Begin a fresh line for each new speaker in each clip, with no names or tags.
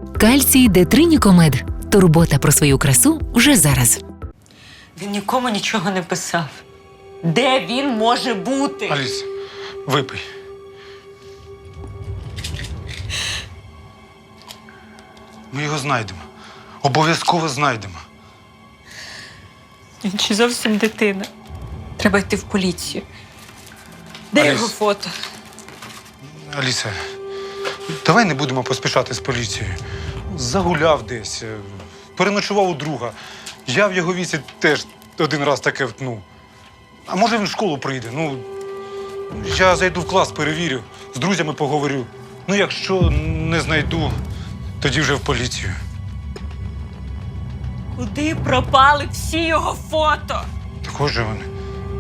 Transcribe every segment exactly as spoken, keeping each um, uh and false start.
Кальцій Детринікомед. Турбота про свою красу вже зараз.
Він нікому нічого не писав. Де він може бути?
Аліс, випий. Ми його знайдемо. Обов'язково знайдемо.
Він чи зовсім дитина. Треба йти в поліцію. Де
Аліс.
його фото?
Аліса, давай не будемо поспішати з поліцією. Загуляв десь, переночував у друга. Я в його віці теж один раз таке втнув. А може він в школу прийде? Ну, я зайду в клас, перевірю, з друзями поговорю. Ну, якщо не знайду, тоді вже в поліцію.
Куди пропали всі його фото?
Також же вони.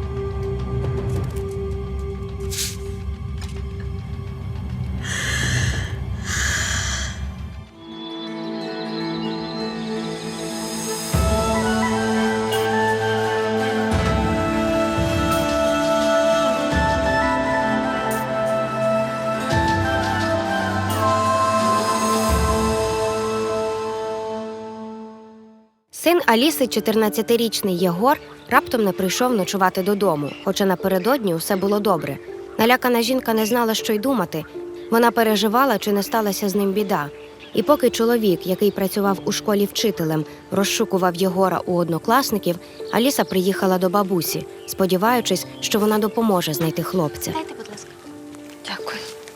Син Аліси, чотирнадцятирічний Єгор, раптом не прийшов ночувати додому, хоча напередодні усе було добре. Налякана жінка не знала, що й думати. Вона переживала, чи не сталася з ним біда. І поки чоловік, який працював у школі вчителем, розшукував Єгора у однокласників, Аліса приїхала до бабусі, сподіваючись, що вона допоможе знайти хлопця.
Дайте, будь ласка.
Дякую.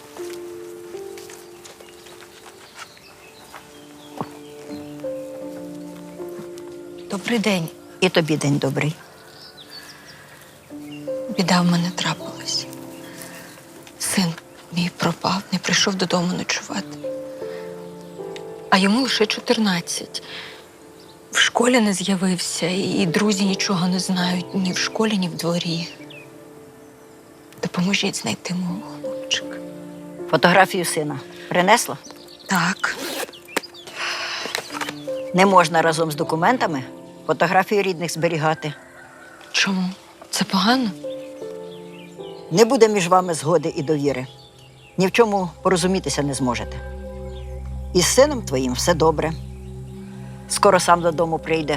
Добрий день. І тобі день добрий.
Біда в мене трапилась. Син мій пропав, не прийшов додому ночувати. А йому лише чотирнадцять. В школі не з'явився, і друзі нічого не знають ні в школі, ні в дворі. Допоможіть знайти мого хлопчика.
Фотографію сина принесла?
Так.
Не можна разом з документами фотографію рідних зберігати.
Чому? Це погано?
Не буде між вами згоди і довіри. Ні в чому порозумітися не зможете. Із сином твоїм все добре. Скоро сам додому прийде.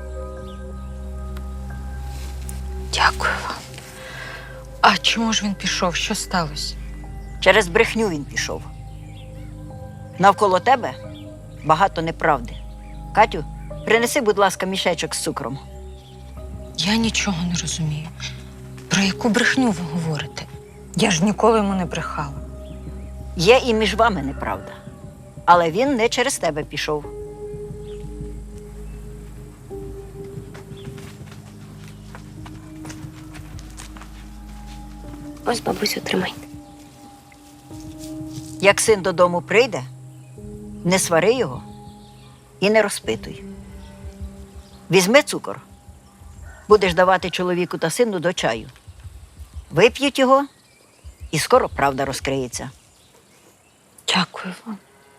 Дякую вам. А чому ж він пішов? Що сталося?
Через брехню він пішов. Навколо тебе багато неправди. Катю, принеси, будь ласка, мішечок з цукром.
Я нічого не розумію. Про яку брехню ви говорите? Я ж ніколи йому не брехала.
Є і між вами неправда. Але він не через тебе пішов.
Ось, бабусю, тримайте.
Як син додому прийде, не свари його і не розпитуй. Візьми цукор, будеш давати чоловіку та сину до чаю. Вип'ють його, і скоро правда розкриється.
Дякую вам.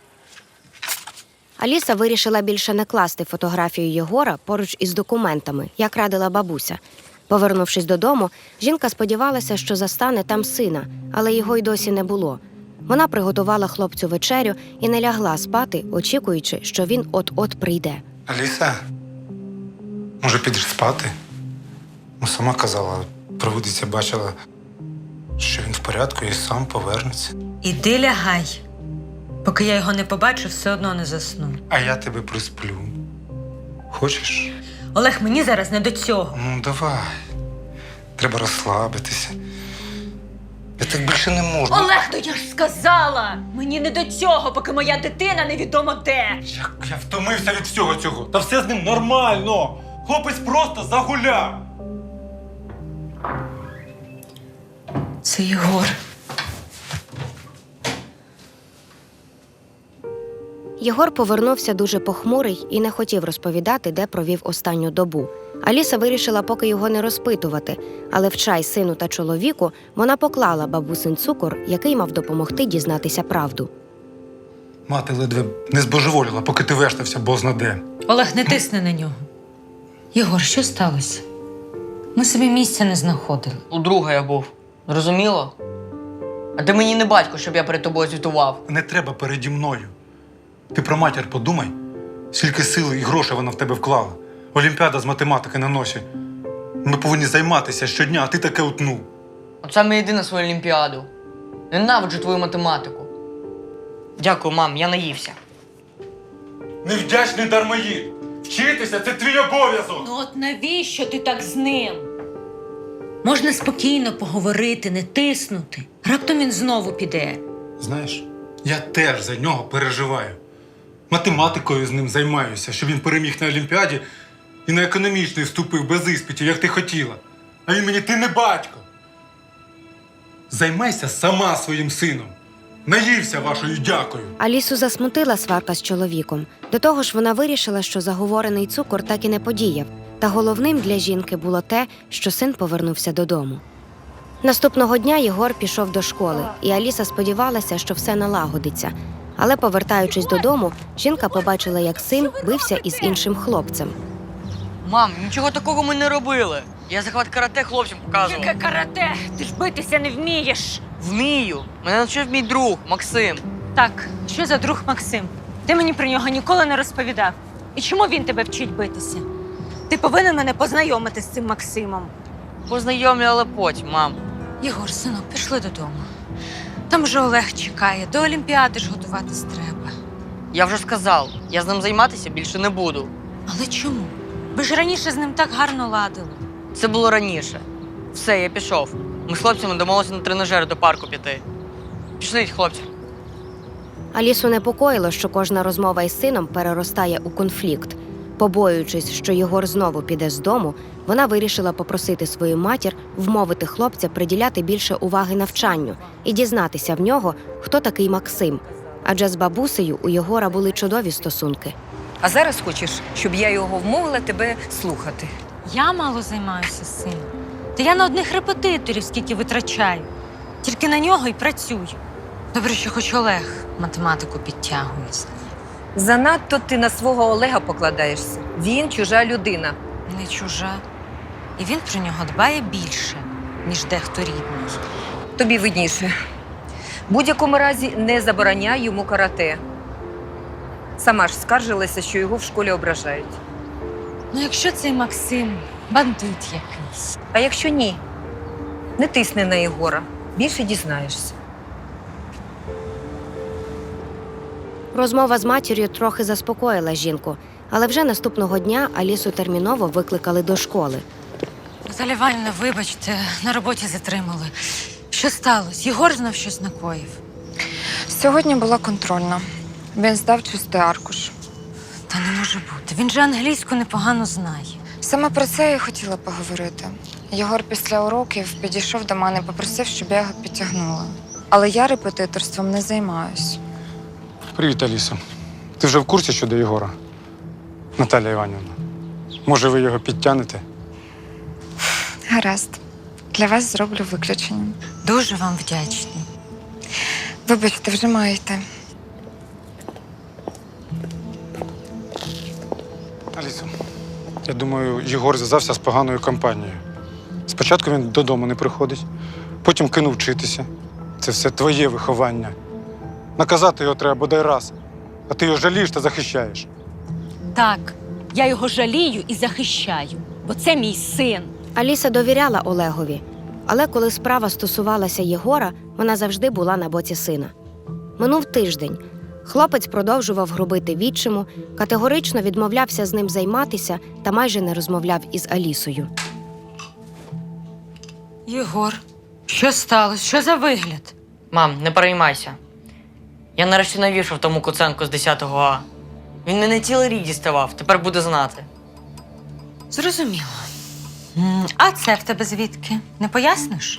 Аліса вирішила більше не класти фотографію Єгора поруч із документами, як радила бабуся. Повернувшись додому, жінка сподівалася, що застане там сина, але його й досі не було. Вона приготувала хлопцю вечерю і не лягла спати, очікуючи, що він от-от прийде.
Аліса, може підеш спати? Ну, сама казала, провидиця бачила, що він в порядку і сам повернеться.
Іди лягай. Поки я його не побачу, все одно не засну.
А я тебе присплю. Хочеш?
Олег, мені зараз не до цього.
Ну, давай. Треба розслабитися. Я так більше не можу.
Олег, то я ж сказала! Мені не до цього, поки моя дитина невідомо де.
Як я втомився від всього цього. Та все з ним нормально. Хлопець просто загуляв.
Це Єгор.
Єгор повернувся дуже похмурий і не хотів розповідати, де провів останню добу. Аліса вирішила поки його не розпитувати, але в чай сину та чоловіку вона поклала бабусин цукор, який мав допомогти дізнатися правду.
Мати ледве не збожеволіла, поки ти вештався бозна де.
Олег, не тисни на нього. Єгор, що сталося? Ми собі місця не знаходили.
У друга я був. Зрозуміло? А ти мені не батько, щоб я перед тобою звітував.
Не треба переді мною. Ти про матір подумай, скільки сили і грошей вона в тебе вклала. Олімпіада з математики на носі. Ми повинні займатися щодня, а ти таке утнув.
От саме йди на свою олімпіаду. Ненавиджу твою математику. Дякую, мам, я наївся.
Невдячний дармоїд! Вчитися – це твій обов'язок!
Ну от навіщо ти так з ним? Можна спокійно поговорити, не тиснути. Раптом він знову піде.
Знаєш, я теж за нього переживаю. Математикою з ним займаюся, щоб він переміг на Олімпіаді і на економічний вступив без іспитів, як ти хотіла. А він мені, ти не батько. Займайся сама своїм сином. Наївся вашою дякою.
Алісу засмутила сварка з чоловіком. До того ж, вона вирішила, що заговорений цукор так і не подіяв. Та головним для жінки було те, що син повернувся додому. Наступного дня Єгор пішов до школи, і Аліса сподівалася, що все налагодиться. Але, повертаючись додому, жінка побачила, як син бився із іншим хлопцем.
Мам, нічого такого ми не робили. Я захват карате хлопцям показував.
Яке карате? Ти ж битися не вмієш.
Вмію. Мене навчив мій друг Максим.
Так, що за друг Максим? Ти мені про нього ніколи не розповідав. І чому він тебе вчить битися? Ти повинен мене познайомити з цим Максимом.
Познайомлю, але потім, мам.
Єгор, синок, пішли додому. Там вже Олег чекає, до Олімпіади ж готуватись треба.
Я вже сказав, я з ним займатися більше не буду.
Але чому? Ви ж раніше з ним так гарно ладили.
Це було раніше. Все, я пішов. Ми з хлопцями домовилися на тренажер до парку піти. Пішли, хлопці.
Алісу непокоїло, що кожна розмова із сином переростає у конфлікт. Побоюючись, що Єгор знову піде з дому, вона вирішила попросити свою матір вмовити хлопця приділяти більше уваги навчанню і дізнатися в нього, хто такий Максим. Адже з бабусею у Єгора були чудові стосунки.
А зараз хочеш, щоб я його вмовила тебе слухати?
Я мало займаюся з сином. Та я на одних репетиторів скільки витрачаю. Тільки на нього й працюю. Добре, що хоч Олег математику підтягується.
Занадто ти на свого Олега покладаєшся. Він чужа людина.
Не чужа. І він про нього дбає більше, ніж дехто рідний.
Тобі видніше. В будь-якому разі не забороняй йому карате. Сама ж скаржилася, що його в школі ображають.
Ну, якщо цей Максим бандит якийсь.
А якщо ні, не тисни на Єгора. Більше дізнаєшся.
Розмова з матір'ю трохи заспокоїла жінку, але вже наступного дня Алісу терміново викликали до школи.
Наталя Іванівна, вибачте, на роботі затримали. Що сталося? Єгор знов щось накоїв.
Сьогодні була контрольна. Він здав чистий аркуш.
Та не може бути. Він же англійську непогано знає.
Саме про це я й хотіла поговорити. Єгор після уроків підійшов до мене і попросив, щоб я його підтягнула. Але я репетиторством не займаюсь.
Привіт, Алісо. Ти вже в курсі щодо Єгора? Наталя Іванівна, може ви його підтягнете?
Гаразд. Для вас зроблю виключення.
Дуже вам вдячний.
Вибачте, вже маю йти.
Алісо, я думаю, Єгор зв'язався з поганою компанією. Спочатку він додому не приходить, потім кинув вчитися. Це все твоє виховання. Наказати його треба бодай раз, а ти його жалієш та захищаєш.
Так, я його жалію і захищаю, бо це мій син.
Аліса довіряла Олегові, але коли справа стосувалася Єгора, вона завжди була на боці сина. Минув тиждень. Хлопець продовжував грубити відчиму, категорично відмовлявся з ним займатися та майже не розмовляв із Алісою.
Єгор, що сталося? Що за вигляд?
Мам, не переймайся. Я нарешті навішав тому Куценку з десятого А. Він мене цілий рік діставав, тепер буде знати.
Зрозуміло. М, А це в тебе звідки? Не поясниш?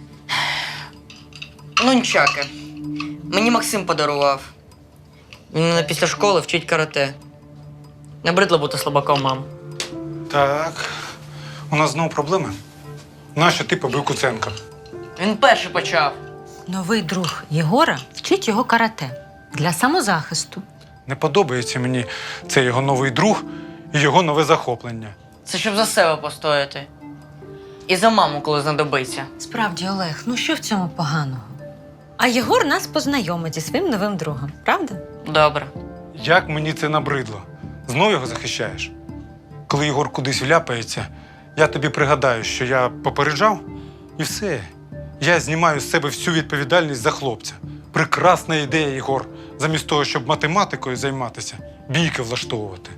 Ну, нічаки. Мені Максим подарував. Він мене після школи вчить карате. Набридло бути слабаком, мам.
Так, у нас знову проблеми. Нащо ти побив Куценка?
Він перший почав.
Новий друг Єгора вчить його карате для самозахисту.
Не подобається мені цей його новий друг і його нове захоплення.
Це щоб за себе постояти. І за маму, коли знадобиться.
Справді, Олег, ну що в цьому поганого? А Єгор нас познайомить зі своїм новим другом, правда?
Добре.
як мені це набридло. Знов його захищаєш? Коли Єгор кудись вляпається, я тобі пригадаю, що я попереджав, і все. Я знімаю з себе всю відповідальність за хлопця. Прекрасна ідея, Єгор. Замість того, щоб математикою займатися, бійки влаштовувати.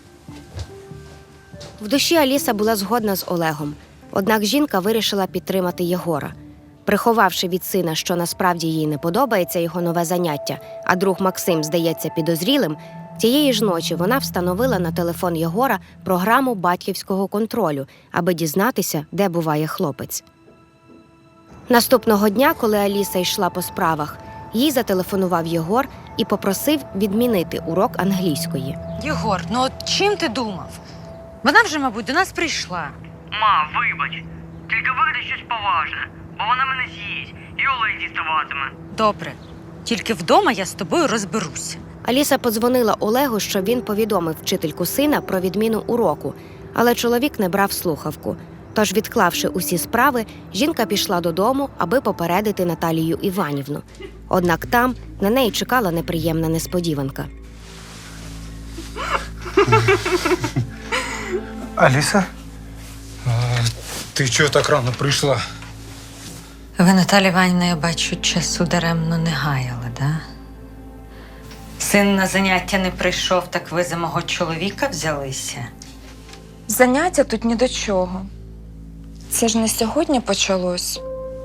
В душі Аліса була згодна з Олегом. Однак жінка вирішила підтримати Єгора. Приховавши від сина, що насправді їй не подобається його нове заняття, а друг Максим здається підозрілим, тієї ж ночі вона встановила на телефон Єгора програму батьківського контролю, аби дізнатися, де буває хлопець. Наступного дня, коли Аліса йшла по справах, їй зателефонував Єгор і попросив відмінити урок англійської.
Єгор, ну от чим ти думав? Вона вже, мабуть, до нас прийшла.
Ма, вибач, тільки вигадай щось поважне, бо вона мене з'їсть і Олег діставатиме.
Добре, тільки вдома я з тобою розберуся.
Аліса подзвонила Олегу, щоб він повідомив вчительку сина про відміну уроку, але чоловік не брав слухавку. Тож, відклавши усі справи, жінка пішла додому, аби попередити Наталію Іванівну. Однак там на неї чекала неприємна несподіванка.
Аліса? А, ти чого так рано прийшла?
Ви, Наталя Іванівна, я бачу, часу даремно не гаяли, да? Син на заняття не прийшов, так ви за мого чоловіка взялися?
Заняття тут ні до чого. Це ж не сьогодні почалось.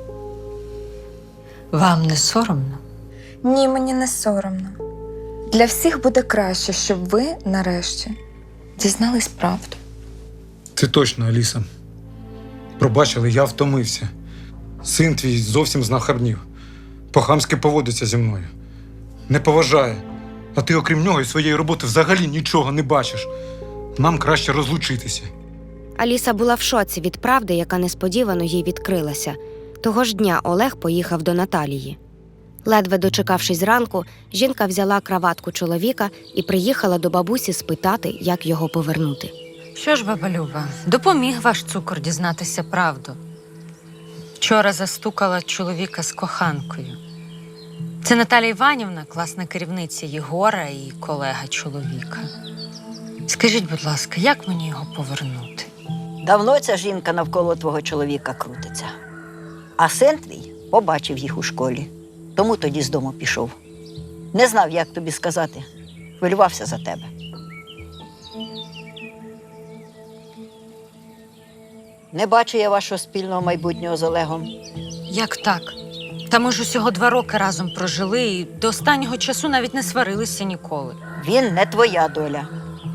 Вам не соромно?
Ні, мені не соромно. Для всіх буде краще, щоб ви, нарешті, дізнались правду.
Це точно, Аліса. Пробач, але я втомився. Син твій зовсім знахабнів. По-хамськи поводиться зі мною. Не поважає. А ти, окрім нього і своєї роботи, взагалі нічого не бачиш. Нам краще розлучитися.
Аліса була в шоці від правди, яка несподівано їй відкрилася. Того ж дня Олег поїхав до Наталії. Ледве дочекавшись ранку, жінка взяла краватку чоловіка і приїхала до бабусі спитати, як його повернути.
Що ж, баба Люба, допоміг ваш цукор дізнатися правду. Вчора застукала чоловіка з коханкою. Це Наталя Іванівна, класна керівниця Єгора і колега чоловіка. Скажіть, будь ласка, як мені його повернути?
Давно ця жінка навколо твого чоловіка крутиться. А син твій побачив їх у школі, тому тоді з дому пішов. Не знав, як тобі сказати. Хвилювався за тебе. Не бачу я вашого спільного майбутнього з Олегом.
Як так? Та ми ж усього два роки разом прожили і до останнього часу навіть не сварилися ніколи.
Він не твоя доля.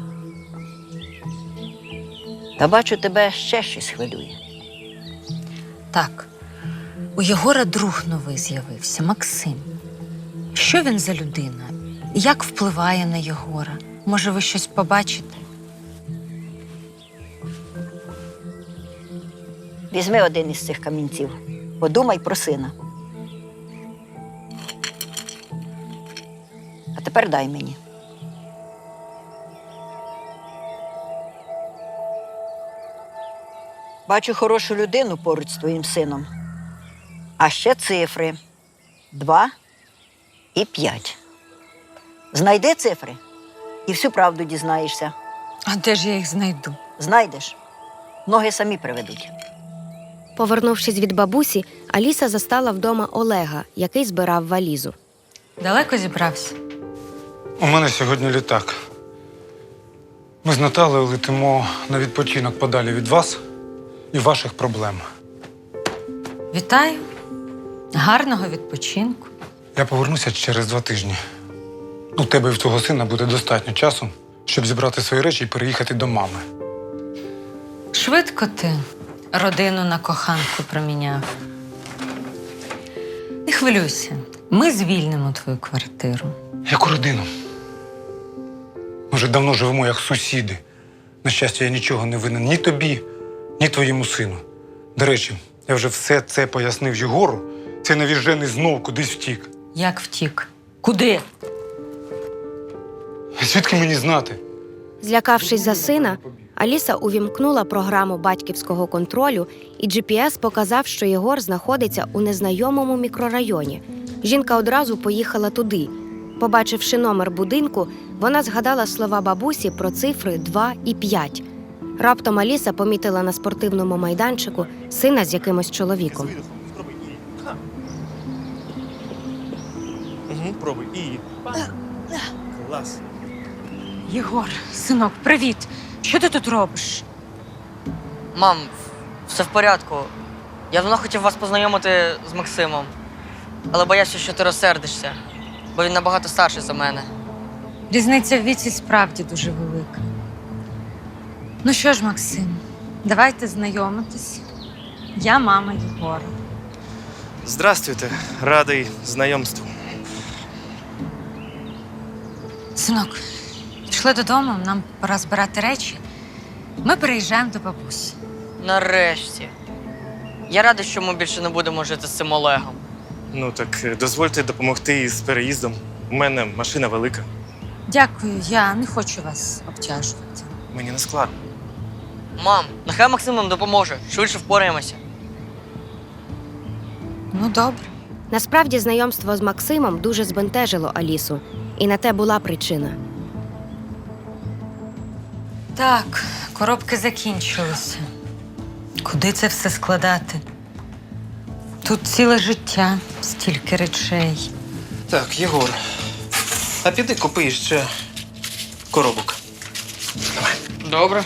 Та бачу, тебе ще щось хвилює.
Так, у Єгора друг новий з'явився, Максим. Що він за людина? Як впливає на Єгора? Може, ви щось побачите?
Візьми один із цих камінців. Подумай про сина. А тепер дай мені. Бачу хорошу людину поруч з твоїм сином. А ще цифри. Два і п'ять. Знайди цифри і всю правду дізнаєшся.
А де ж я їх знайду?
Знайдеш, ноги самі приведуть.
Повернувшись від бабусі, Аліса застала вдома Олега, який збирав валізу.
Далеко зібрався?
У мене сьогодні літак. Ми з Наталею летимо на відпочинок подалі від вас і ваших проблем.
Вітаю. Гарного відпочинку.
Я повернуся через два тижні. У тебе і в твого сина буде достатньо часу, щоб зібрати свої речі і переїхати до мами.
Швидко ти родину на коханку проміняв. Не хвилюйся, ми звільнимо твою квартиру.
Яку родину? Ми вже давно живемо як сусіди. На щастя, я нічого не винен ні тобі, ні твоєму сину. До речі, я вже все це пояснив Єгору. Цей навіжений знов кудись втік.
Як втік? Куди?
Звідки мені знати?
Злякавшись за сина, Аліса увімкнула програму батьківського контролю, і джі пі ес показав, що Єгор знаходиться у незнайомому мікрорайоні. Жінка одразу поїхала туди. Побачивши номер будинку, Вона згадала слова бабусі про цифри два і п'ять. Раптом Аліса помітила на спортивному майданчику сина з якимось чоловіком.
Угу, пробуй. І. Клас.
Єгор, синок, привіт. Що ти тут робиш?
Мам, все в порядку. Я давно хотів вас познайомити з Максимом, але боявся, що ти розсердишся, бо він набагато старший за мене.
Різниця в віці справді дуже велика. Ну що ж, Максим, давайте знайомитись. Я мама Єгора.
Здрастуйте, радий знайомству.
Синок, пішли додому, нам пора збирати речі. Ми переїжджаємо до бабусі.
Нарешті. Я радий, що ми більше не будемо жити з цим Олегом.
Ну так е, дозвольте допомогти із переїздом. У мене машина велика.
Дякую, я не хочу вас обтяжувати.
Мені не складно.
Мам, нехай Максим нам допоможе, швидше впораємося.
Ну, добре.
Насправді, знайомство з Максимом дуже збентежило Алісу. І на те була причина.
Так, коробки закінчилися. Куди це все складати? Тут ціле життя, стільки речей.
Так, Єгор, а піди купи ще коробок.
Добре.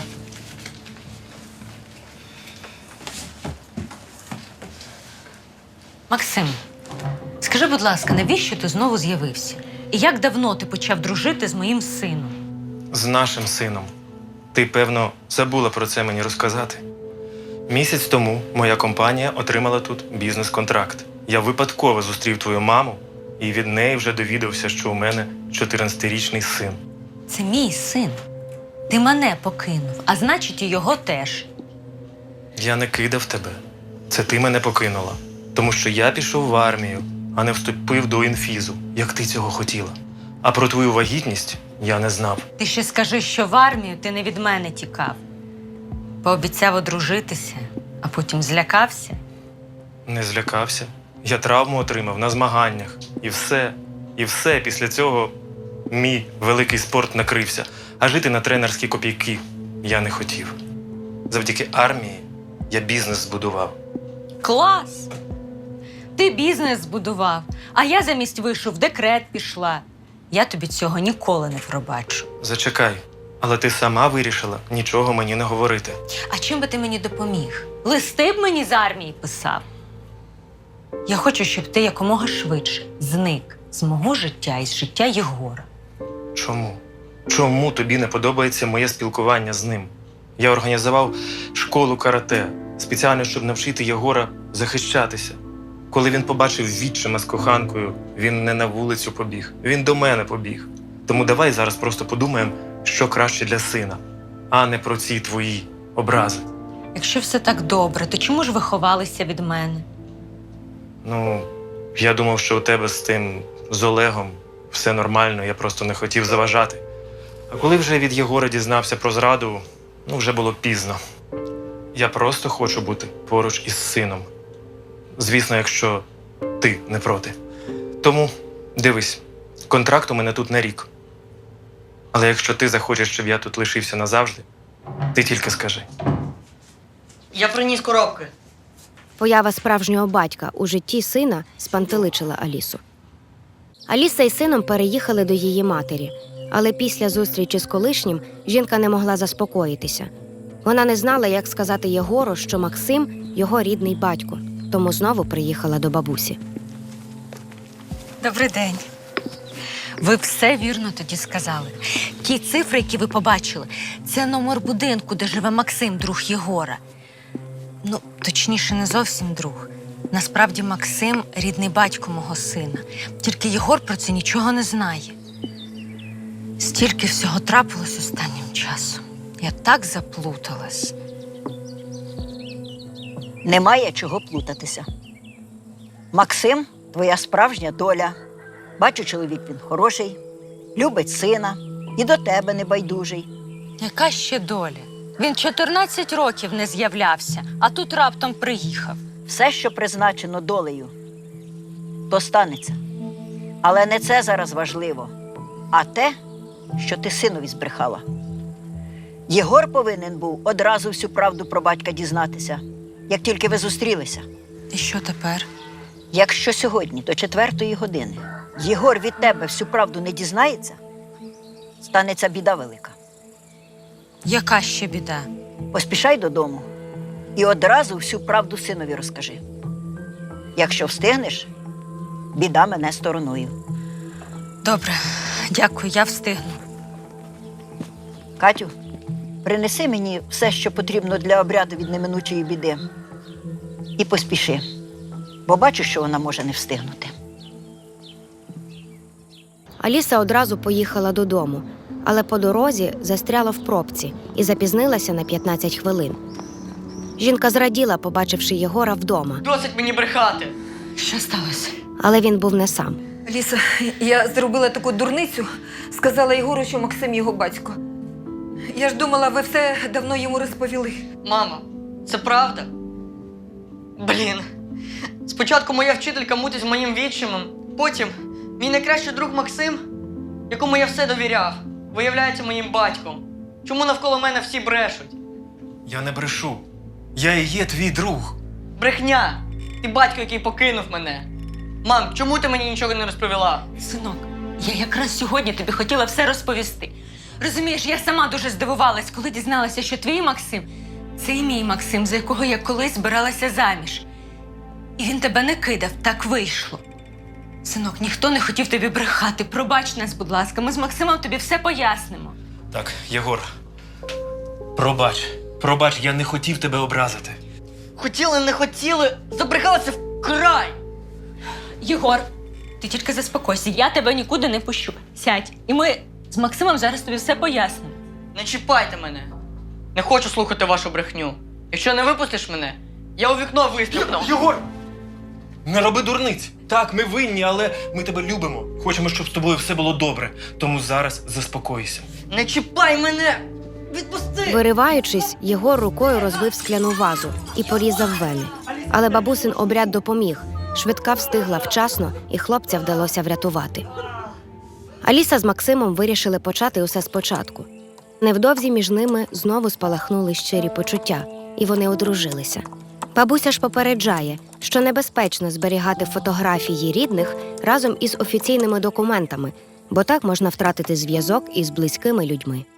Максим, скажи, будь ласка, навіщо ти знову з'явився? І як давно ти почав дружити з моїм сином?
З нашим сином. Ти, певно, забула про це мені розказати. Місяць тому моя компанія отримала тут бізнес-контракт. Я випадково зустрів твою маму і від неї вже довідався, що у мене чотирнадцятирічний син.
Це мій син. Ти мене покинув, а значить, і його теж.
Я не кидав тебе. Це ти мене покинула. Тому що я пішов в армію, а не вступив до інфізу, як ти цього хотіла. А про твою вагітність я не знав.
Ти ще скажи, що в армію ти не від мене тікав. Пообіцяв одружитися, а потім злякався.
Не злякався. Я травму отримав на змаганнях. І все, і все після цього мій великий спорт накрився. А жити на тренерські копійки я не хотів. Завдяки армії я бізнес збудував.
Клас! Ти бізнес збудував, а я замість вишу в декрет пішла. Я тобі цього ніколи не пробачу.
Зачекай, але ти сама вирішила нічого мені не говорити.
А чим би ти мені допоміг? Листи б мені з армії писав. Я хочу, щоб ти якомога швидше зник з мого життя і з життя Єгора.
Чому? Чому тобі не подобається моє спілкування з ним? Я організував школу карате, спеціально, щоб навчити Єгора захищатися. Коли він побачив відчима з коханкою, він не на вулицю побіг, він до мене побіг. Тому давай зараз просто подумаємо, що краще для сина, а не про ці твої образи.
Якщо все так добре, то чому ж ви ховалися від мене?
Ну, я думав, що у тебе з тим, з Олегом, все нормально, я просто не хотів заважати. А коли вже від Єгора дізнався про зраду, ну, вже було пізно. Я просто хочу бути поруч із сином. Звісно, якщо ти не проти. Тому, дивись, контракт у мене тут на рік. Але якщо ти захочеш, щоб я тут лишився назавжди, ти тільки скажи.
Я приніс коробки.
Поява справжнього батька у житті сина спантеличила Алісу. Аліса із сином переїхали до її матері, але після зустрічі з колишнім жінка не могла заспокоїтися. Вона не знала, як сказати Єгору, що Максим – його рідний батько, тому знову приїхала до бабусі.
Добрий день. Ви все вірно тоді сказали. Ті цифри, які ви побачили, це номер будинку, де живе Максим, друг Єгора. Ну, точніше, не зовсім друг. Насправді Максим – рідний батько мого сина. Тільки Єгор про це нічого не знає. Стільки всього трапилось останнім часом. Я так заплуталась.
Немає чого плутатися. Максим – твоя справжня доля. Бачу, чоловік він хороший, любить сина і до тебе не байдужий.
Яка ще доля? Він чотирнадцять років не з'являвся, а тут раптом приїхав.
Все, що призначено долею, то станеться. Але не це зараз важливо, а те, що ти синові збрехала. Єгор повинен був одразу всю правду про батька дізнатися, як тільки ви зустрілися.
І що тепер?
Якщо сьогодні до четвертої години Єгор від тебе всю правду не дізнається, станеться біда велика.
Яка ще біда?
Поспішай додому і одразу всю правду синові розкажи. Якщо встигнеш, біда мене стороною.
Добре, дякую, я встигну.
Катю, принеси мені все, що потрібно для обряду від неминучої біди. І поспіши, бо бачу, що вона може не встигнути.
Аліса одразу поїхала додому, але по дорозі застряла в пробці і запізнилася на п'ятнадцять хвилин. Жінка зраділа, побачивши Єгора вдома,
Досить мені брехати.
Що сталося?
але він був не сам.
Ліса, я зробила таку дурницю, сказала Єгору, що Максим його батько. Я ж думала, ви все давно йому розповіли.
Мама, це правда? Блін. Спочатку моя вчителька мутить з моїм відчимом, потім мій найкращий друг Максим, якому я все довіряв, виявляється моїм батьком. Чому навколо мене всі брешуть?
Я не брешу. Я і є твій друг.
Брехня! Ти батько, який покинув мене. Мам, чому ти мені нічого не розповіла?
Синок, я якраз сьогодні тобі хотіла все розповісти. Розумієш, я сама дуже здивувалась, коли дізналася, що твій Максим – це і мій Максим, за якого я колись збиралася заміж. І він тебе не кидав, так вийшло. Синок, ніхто не хотів тобі брехати. Пробач нас, будь ласка, ми з Максимом тобі все пояснимо.
Так, Єгор, пробач. Пробач, я не хотів тебе образити.
Хотіли, не хотіли, забрехалися вкрай!
Єгор, ти тільки заспокойся, я тебе нікуди не пущу. Сядь, і ми з Максимом зараз тобі все пояснимо.
Не чіпайте мене. Не хочу слухати вашу брехню. Якщо не випустиш мене, я у вікно вистрибну.
Єгор! Не роби дурниць. Так, ми винні, але ми тебе любимо. Хочемо, щоб з тобою все було добре. Тому зараз заспокойся.
Не чіпай мене! Відпусти!
Вириваючись, Єгор рукою розбив скляну вазу і порізав вени. Але бабусин обряд допоміг. Швидка встигла вчасно, і хлопця вдалося врятувати. Аліса з Максимом вирішили почати усе спочатку. Невдовзі між ними знову спалахнули щирі почуття, і вони одружилися. Бабуся ж попереджає, що небезпечно зберігати фотографії рідних разом із офіційними документами, бо так можна втратити зв'язок із близькими людьми.